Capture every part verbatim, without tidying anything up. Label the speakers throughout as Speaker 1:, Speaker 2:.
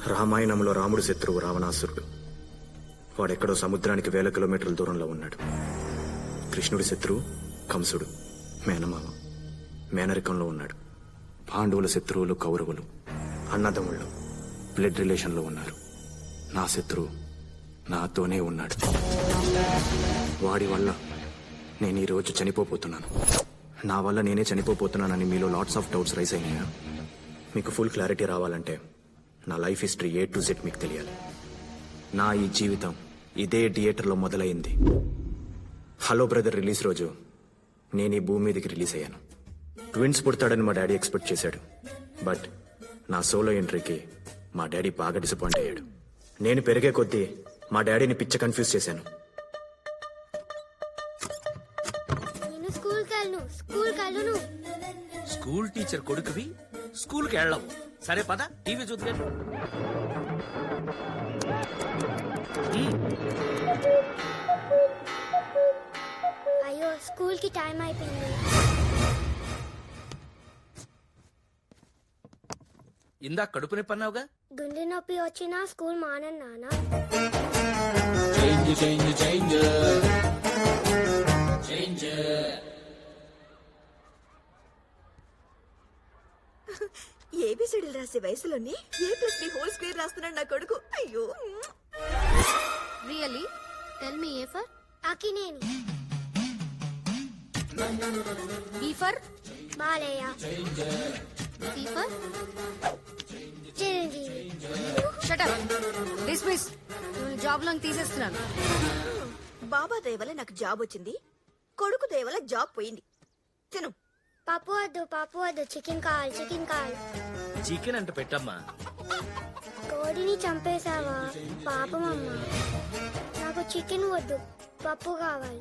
Speaker 1: రామాయణంలో రాముడు శత్రువు రావణాసురుడు. వాడెక్కడో సముద్రానికి వేల కిలోమీటర్ల దూరంలో ఉన్నాడు. కృష్ణుడి శత్రువు కంసుడు, మేనమామ, మేనరికంలో ఉన్నాడు. పాండవుల శత్రువులు కౌరవులు, అన్నదమ్ముళ్ళు, బ్లడ్ రిలేషన్లో ఉన్నారు. నా శత్రువు నాతోనే ఉన్నాడు. వాడి వల్ల నేను ఈరోజు చనిపోతున్నాను. నా వల్ల నేనే చనిపోతున్నానని మీలో లాట్స్ ఆఫ్ డౌట్స్ రైజ్ అయినాయా? మీకు ఫుల్ క్లారిటీ రావాలంటే నా life history A to Z మీకు తెలియాలి. నా ఈ జీవితం ఇదే థియేటర్లో మొదలైంది. హలో బ్రదర్ రిలీజ్ రోజు నేను ఈ భూమి మీదకి రిలీజ్ అయ్యాను. ట్విన్స్ పుడతాడని మా డాడీ ఎక్స్పెక్ట్ చేశాడు. బట్ నా సోలో ఎంట్రీకి మా డాడీ బాగా డిసప్పాయింట్ అయ్యాడు. నేను పెరిగే కొద్దీ మా డాడీని పిచ్చ కన్ఫ్యూజ్ చేశాను.
Speaker 2: స్కూల్ టీచర్ కొడుకువి స్కూల్ కి వెళ్ళవు. సరే పద టీవీ చూద్దాం.
Speaker 3: అయ్యో స్కూల్ కి టైం అయిపోయింది.
Speaker 2: ఇందాక కడుపు నొప్పి అన్నావుగా?
Speaker 3: గుండె నొప్పి వచ్చినా స్కూల్ మానను నాన్న.
Speaker 4: ఏబిసిడీలు రాసే వయసులోనే A plus B whole square రాస్తున్నాడు నా కొడుకు. అయ్యో
Speaker 3: really tell me A for Akkineni, B for Balayya, C for Chiranjeevi.
Speaker 5: Shut up, dismiss. నేను జాబ్ లోకి తీసేస్తున్నాను.
Speaker 4: బాబా దయ వల్ల నాకు జాబ్ వచ్చింది, కొడుకు దయ వల్ల జాబ్ పోయింది. తిను.
Speaker 3: పప్పు వద్దు, పప్పు వద్దు, చికెన్ కావాలి, చికెన్ కావాలి.
Speaker 2: చికెన్ అంటే పెట్టమ్మా.
Speaker 3: కోడిని చంపేశావా పాపం అమ్మా. నాకు చికెన్ వద్దు, పప్పు కావాలి.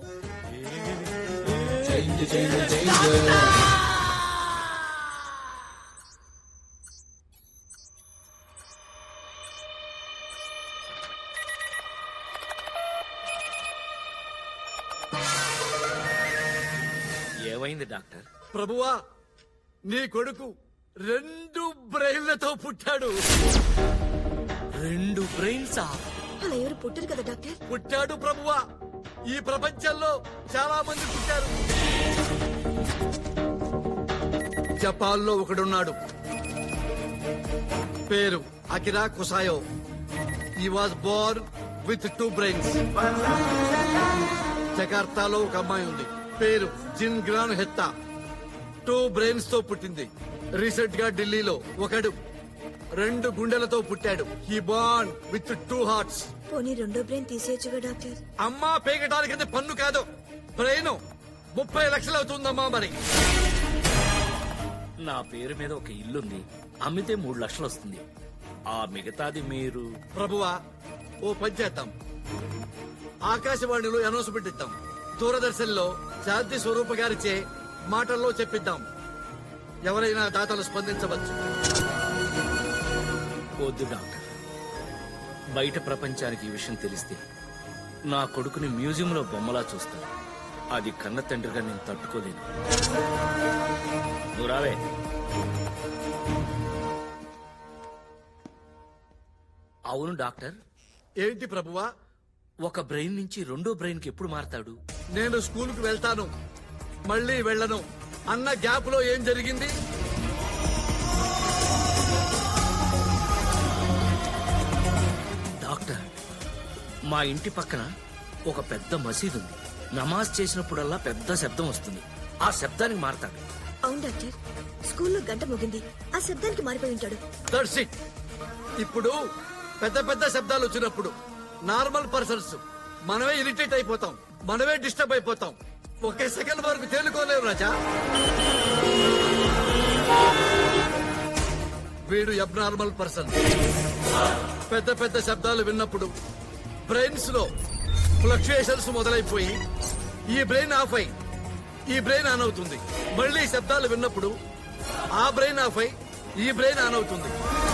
Speaker 2: ఏమైంది డాక్టర్?
Speaker 6: ప్రభువా, నీ కొడుకు రెండు బ్రెయిన్లతో పుట్టాడు.
Speaker 2: రెండు బ్రెయిన్సా?
Speaker 4: అలా ఎవరు పుట్టరు కదా డాక్టర్.
Speaker 6: పుట్టాడు ప్రభువా. ఈ ప్రపంచంలో చాలా మంది పుట్టారు. జపాన్లో ఒకడున్నాడు, పేరు Akira Kusayo. He was born with two brains. జకార్తాలో ఒక అమ్మాయి ఉంది, పేరు జిన్ గ్రాన్ హెత్తా. టూ బ్రెయిన్స్ తో పుట్టింది. రీసెంట్ గా ఢిల్లీలో ఒకడు రెండు గుండెలతో పుట్టాడు. He born with two hearts.
Speaker 4: పోనీ రెండో బ్రెయిన్ తీసేయచ్చుగా డాక్టర్.
Speaker 6: అమ్మా పేగటానికి పన్ను కాదు, బ్రెయిన్ ముప్పై లక్షలు అవుతుందమ్మా. మరి
Speaker 2: నా పేరు మీద ఒక ఇల్లుంది, అమ్మితే మూడు లక్షలు వస్తుంది. ఆ మిగతాది మీరు.
Speaker 6: ప్రభువా, ఓ పని చేద్దాం. ఆకాశవాణిలో అనౌన్స్మెంట్ ఇద్దాం, దూరదర్శన్ లో శాంతి స్వరూప గారిచే మాటల్లో చెప్పిద్దాం. ఎవరైనా దాతలు స్పందించవచ్చు.
Speaker 2: వద్దు డాక్టర్, బయట ప్రపంచానికి ఈ విషయం తెలిస్తే నా కొడుకుని మ్యూజియంలో బొమ్మలా చూస్తాను. అది కన్న తండ్రిగా నేను తట్టుకోలేను. నువ్వు రావే. అవును డాక్టర్.
Speaker 6: ఏంటి ప్రభువా?
Speaker 2: ఒక బ్రెయిన్ నుంచి రెండో బ్రెయిన్ కి ఎప్పుడు మారతాడు?
Speaker 6: నేను స్కూల్ కు వెళ్తాను, మళ్ళీ వెళ్ళను అన్న గ్యాప్ లో ఏం జరిగింది?
Speaker 2: డాక్టర్, మా ఇంటి పక్కన ఒక పెద్ద మసీదు ఉంది. నమాజ్ చేసినప్పుడల్లా పెద్ద శబ్దం వస్తుంది. ఆ శబ్దానికి మారతాడు.
Speaker 4: అవును డాక్టర్, స్కూల్లో గంట మోగింది, ఆ శబ్దానికి మారిపోయి ఉంటాడు.
Speaker 6: That's it. ఇప్పుడు పెద్ద పెద్ద శబ్దాలు వచ్చినప్పుడు నార్మల్ పర్సన్స్ మనమే ఇరిటేట్ అయిపోతాం, మనమే డిస్టర్బ్ అయిపోతాం. ఒకే సెకండ్ వరకు తేలుకోలేవు రాజా. వీడు అబ్నార్మల్ పర్సన్. పెద్ద పెద్ద శబ్దాలు విన్నప్పుడు బ్రెయిన్స్ లో ఫ్లక్చుయేషన్స్ మొదలైపోయి ఈ బ్రెయిన్ ఆఫ్ అయి ఈ బ్రెయిన్ ఆన్ అవుతుంది. మళ్ళీ శబ్దాలు విన్నప్పుడు ఆ బ్రెయిన్ ఆఫ్ అయి ఈ బ్రెయిన్ ఆన్ అవుతుంది.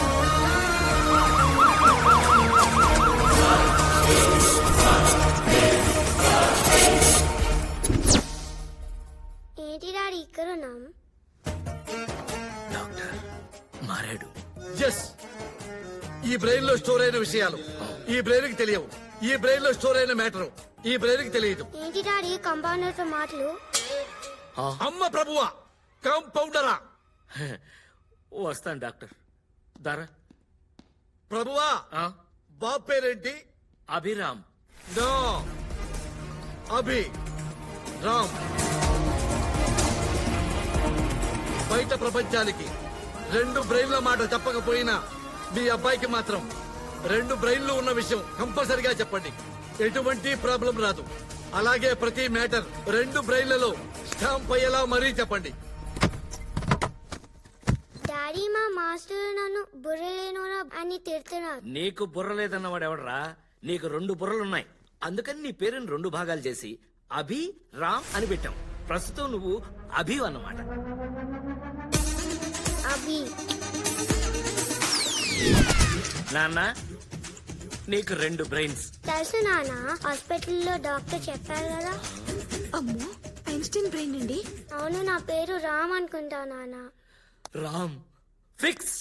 Speaker 3: ఏంటి డాడీ ఇక్కడ ఉన్నాం?
Speaker 2: డాక్టర్ మారాడు.
Speaker 6: ఎస్, ఈ బ్రెయిన్ లో స్టోర్ అయిన విషయాలు ఈ బ్రెయిన్ కి తెలియవు. ఈ బ్రెయిన్ లో స్టోర్ అయిన మ్యాటర్ ఈ బ్రెయిన్ కి తెలియదు.
Speaker 3: ఏంటి డాడీ కంపౌండర్ తో మాటలు?
Speaker 6: అమ్మ ప్రభువా, కాంపౌండరా?
Speaker 2: వస్తాను డాక్టర్. దారా
Speaker 6: ప్రభువా,
Speaker 2: ఆ?
Speaker 6: బాబు పేరేంటి?
Speaker 2: అభిరామ్.
Speaker 6: నో, అభి రామ్. బయట ప్రపంచానికి రెండు బ్రెయిన్ల మాట చెప్పకపోయినా మీ అబ్బాయికి మాత్రం రెండు బ్రెయిన్లు ఉన్న విషయం కంపల్సరిగా చెప్పండి. ఎటువంటి ప్రాబ్లం రాదు. అలాగే ప్రతి మ్యాటర్ రెండు బ్రెయిన్లలో స్టాంప్ అయ్యేలా మరీ చెప్పండి.
Speaker 3: డాడీ మా మాస్టర్ నన్ను బుర్రలేనోనా అని తిడుతున్నారు.
Speaker 2: నీకు బుర్ర లేదన్నవాడు ఎవడరా? నీకు రెండు బుర్రలున్నాయి. అందుకని నీ పేరుని రెండు భాగాలు చేసి అభి రామ్ అని పెట్టాం. ప్రస్తుతం నువ్వు అభి అన్నమాట.
Speaker 3: అభి
Speaker 2: నాన్న, నీకు రెండు బ్రెయిన్స్.
Speaker 3: తెలుసు నాన్న, హాస్పిటల్లో డాక్టర్ చెప్పారు కదా.
Speaker 4: అమ్మో, ఐన్స్టీన్ బ్రెయిన్ అండి.
Speaker 3: అవును, నా పేరు రామ్ అనుకుంటా నాన్న.
Speaker 2: రామ్ ఫిక్స్.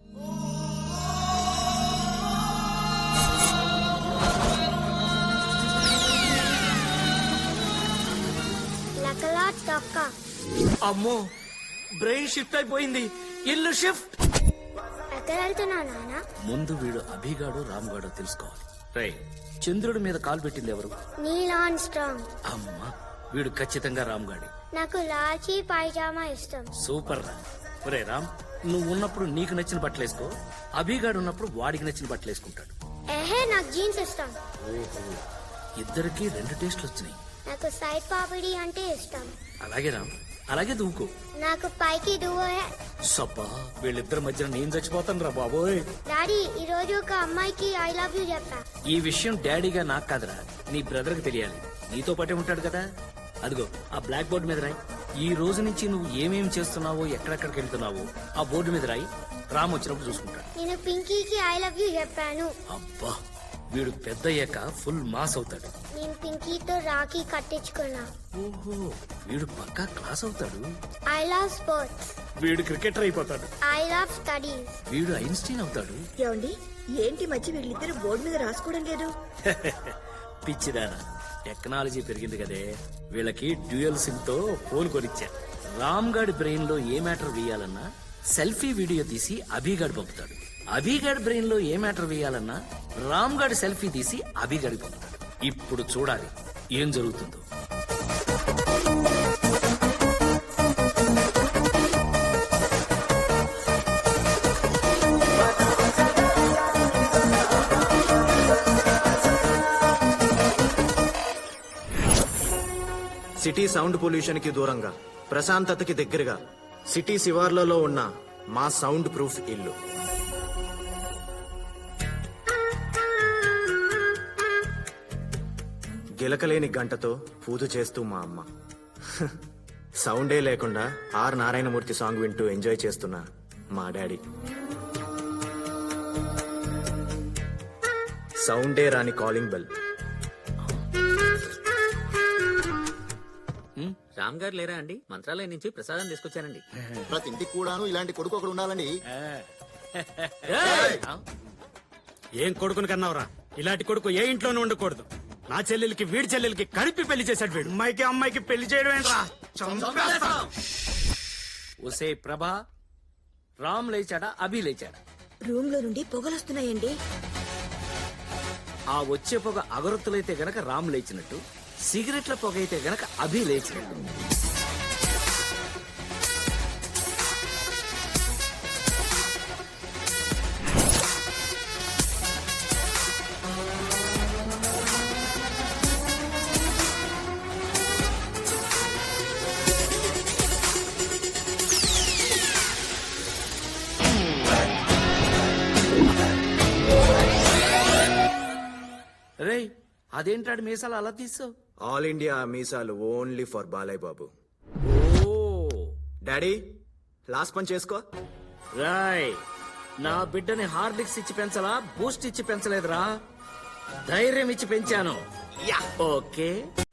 Speaker 3: లకలా తొక్క.
Speaker 2: అమ్మో, బ్రెయిన్ షిఫ్ట్ అయిపోయింది. ఇల్లు షిఫ్ట్.
Speaker 3: ఎక్కడ వెళ్తున్నా నాన్న?
Speaker 2: ముందు వీడు అభిగాడు రామ్గాడు తెలుసుకోవాలి. రై, చంద్రుడి మీద కాలు పెట్టింది ఎవరు?
Speaker 3: Neil Armstrong.
Speaker 2: అమ్మా, వీడు ఖచ్చితంగా రామ్గాడి.
Speaker 3: నాకు లాల్చీ పైజామా ఇష్టం.
Speaker 2: సూపర్ రా. ఒరే రామ్, నువ్వు ఉన్నప్పుడు నీకు నచ్చిన బట్టలు వేసుకో. అభిగాడు ఉన్నప్పుడు వాడికి నచ్చిన బట్టలు వేసుకుంటాడు.
Speaker 3: ఏహే, నాకు జీన్స్ ఇష్టం.
Speaker 2: ఓహో, ఇద్దరికి రెండు టేస్ట్లు వచ్చినాయి.
Speaker 3: నాకు సైడ్ పాపిడి అంటే ఇష్టం.
Speaker 2: అలాగే రామ్, అలాగే దూకో.
Speaker 3: నాకు పైకి దువ్వే.
Speaker 2: సబ్బా, వీళ్ళిద్దరి మధ్యన నేను చచ్చిపోతాను రా బాబోయ్.
Speaker 3: డాడీ, ఈ రోజు ఒక అమ్మాయికి ఐ లవ్ యూ చెప్పా.
Speaker 2: ఈ విషయం డాడీగా నాకు కాదురా, నీ బ్రదర్ కి తెలియాలి. నీతో పాటే ఉంటాడు కదా. అదిగో ఆ బ్లాక్ బోర్డు మీద రాయి. ఈ రోజు నుంచి నువ్వు ఏమేం చేస్తున్నావో, ఎక్కడెక్కడికి వెళ్తున్నావో ఆ బోర్డు మీద రాయి. రామ్ వచ్చినప్పుడు చూసుకుంటాడు.
Speaker 3: నేను పింకీకి ఐ లవ్ యూ చెప్పాను.
Speaker 2: అబ్బా, వీడు పెద్ద అయ్యాక ఫుల్ మాస్ అవుతాడు.
Speaker 3: నేను పింకీతో రాఖీ కట్టించుకున్నా.
Speaker 2: ఓహో, వీడు పక్కా క్లాస్ అవుతాడు.
Speaker 3: I love sports.
Speaker 2: వీడు క్రికెటర్ అయిపోతాడు.
Speaker 3: I love studies.
Speaker 2: వీడు ఐన్స్టీన్ అవుతాడు.
Speaker 4: ఏమండి, ఏంటి మధ్య వీళ్ళిద్దరు బోర్డు మీద రాసుకోవడం లేదు?
Speaker 2: పిచ్చిదానా, టెక్నాలజీ పెరిగింది కదే. వీళ్ళకి డ్యూయల్ సిమ్ తో ఫోన్ కొనిచ్చా. రామ్ గాడి బ్రెయిన్ లో ఏ మ్యాటర్ వేయాలన్నా సెల్ఫీ వీడియో తీసి అభిగాడు పంపుతాడు. అభిగాడి బ్రెయిన్ లో ఏ మ్యాటర్ వేయాలన్నా రామ్ గాడి సెల్ఫీ తీసి అభిగాడి పంపుతాడు. ఇప్పుడు చూడాలి ఏం జరుగుతుందో.
Speaker 1: సిటీ సౌండ్ పొల్యూషన్ కి దూరంగా, ప్రశాంతతకి దగ్గరగా, సిటీ శివార్లలో ఉన్న మా సౌండ్ ప్రూఫ్ ఇల్లు. గిలకలేని గంటతో పూజ చేస్తూ మా అమ్మ. సౌండే లేకుండా ఆర్ నారాయణమూర్తి సాంగ్ వింటూ ఎంజాయ్ చేస్తున్న మా డాడీ. సౌండే రాని కాలింగ్ బెల్.
Speaker 7: రామ్ గారు లేరా అండి? మంత్రాలయం నుంచి ప్రసాదం తీసుకొచ్చానండి.
Speaker 8: ప్రతి ఇంటికి కూడాను ఇలాంటి కొడుకు ఒకడు ఉండాలండి.
Speaker 9: ఏం కొడుకుని కన్నావురా? ఇలాంటి కొడుకు ఏ ఇంట్లోనూ ఉండకూడదు. నా చెల్లెలకి వీడి చెల్లెలకి కలిపి పెళ్లి చేశాడు వీడు. అమ్మాయికి అమ్మాయికి పెళ్లి చేయడం ఏంట్రా?
Speaker 2: ఒసే ప్రభా, రామ్ లేచాడా అభి లేచాడా?
Speaker 4: రూమ్ లో నుండి పొగలొస్తున్నాయండి.
Speaker 2: ఆ వచ్చే పొగ అగరొత్తులైతే గనక రామ్ లేచినట్టు, సిగరెట్ల పొగ అయితే గనక అభి లేచినట్టు. రే, అదేంటాడు మీసాలు అలా తీసావు?
Speaker 1: ఆల్ ఇండియా మీసాలు ఓన్లీ ఫర్ బాలయ్య బాబు.
Speaker 2: ఓ
Speaker 1: డాడీ, లాస్ట్ పని చేసుకో.
Speaker 2: రాయ్, నా బిడ్డని హార్లిక్స్ ఇచ్చి పెంచలా, బూస్ట్ ఇచ్చి పెంచలేదురా, ధైర్యం ఇచ్చి పెంచాను. ఓకే.